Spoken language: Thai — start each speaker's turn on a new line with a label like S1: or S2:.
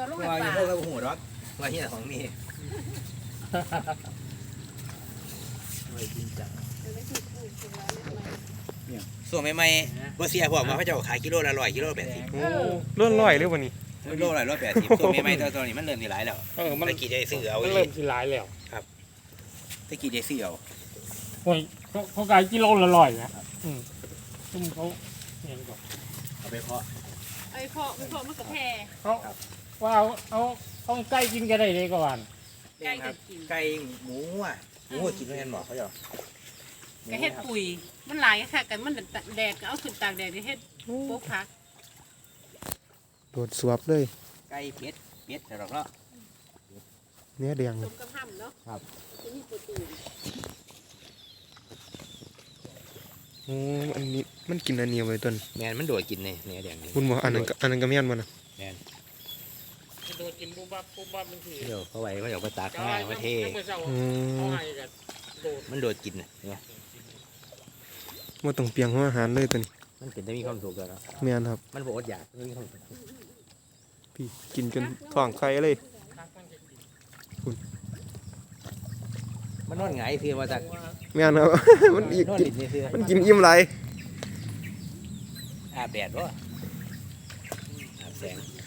S1: ตัวลง
S2: ว่า
S1: ให้
S2: อย่าง
S1: ป่า
S2: พวกเราหูหรอกว่าเฮียของมีไม่จริงจังส่วนใหม่ๆบ่เสียพวกมาพระเจ้าขายกิโลละ100 กิโลละ80
S3: โอ้ล้วนลอยเลยวันนี้
S2: กิโลละ180ส่วนใหม่ๆตอนนี้มันเริ่มมีหลายแล้ว
S3: มัน
S2: ตะกี้ได้ซื้อเอา
S3: มัน
S2: อี
S3: เริ่ม
S2: ก
S3: สิหลายแล้ว
S2: ตะกี้ได้ซื้อเอา
S3: โอ้ยเขาขายกิโลละร้อยนะซึ่งเขาเนี่ยก่อน
S2: เอาไปเพาะ
S1: ไอ้พ่อมันกับแพร
S3: เขาว่าเอาใกล้กินกันได้เลยก็วัน
S1: ไก่จะกิน
S2: ไก่หมูอ่ะหมูกินด้วยกันหมอเขาเจ้า
S1: ก็เฮ็ดปุ๋ยมันหลายค่ะกันมันแดดก็เอาขึ้นตากแดดเฮ็ดโป๊กพัก
S4: โดดสวบเลย
S2: ไก่เป็ดแต่ดอกเนาะ
S4: เนื้อแดง
S1: ต้มกระห้ำเนาะ
S2: ครับ
S1: จะมีโปรตีน
S4: โอ้อันนี้มันกินอันเนียวไว้ต้น
S2: แมนมันโดดกินเนี่ยเนื้อแดงนี่
S4: คุณบอกอันนั้นก็แม่นบ่นะ
S3: โดนกินปุ๊บปั๊บมันคือ
S2: เดี๋ยวเขาไว้เขาอยากไปตากง่ายมาเท
S3: เมื่อเช้า
S4: อื
S3: เขา
S4: ม
S3: ให้กันโดด
S2: มันโดดกินเนี่ย
S4: บ่ต้องเปียงหัวอาหารเลยต้น
S2: มันเป็นได้มีความสุขแล้วเนาะ
S4: แม่นครับ
S2: มันบอกอดอยากมันมีความสุข
S4: พี่กินจนท้องไข่เลย
S2: มันนอนหงายคือมาจาก
S4: แม่นครับ มันอีก
S2: นอน
S4: กิน
S2: ดินนี่คือ
S4: มันกินอิ่มหลาย
S2: อาบแดดวะอาบแสง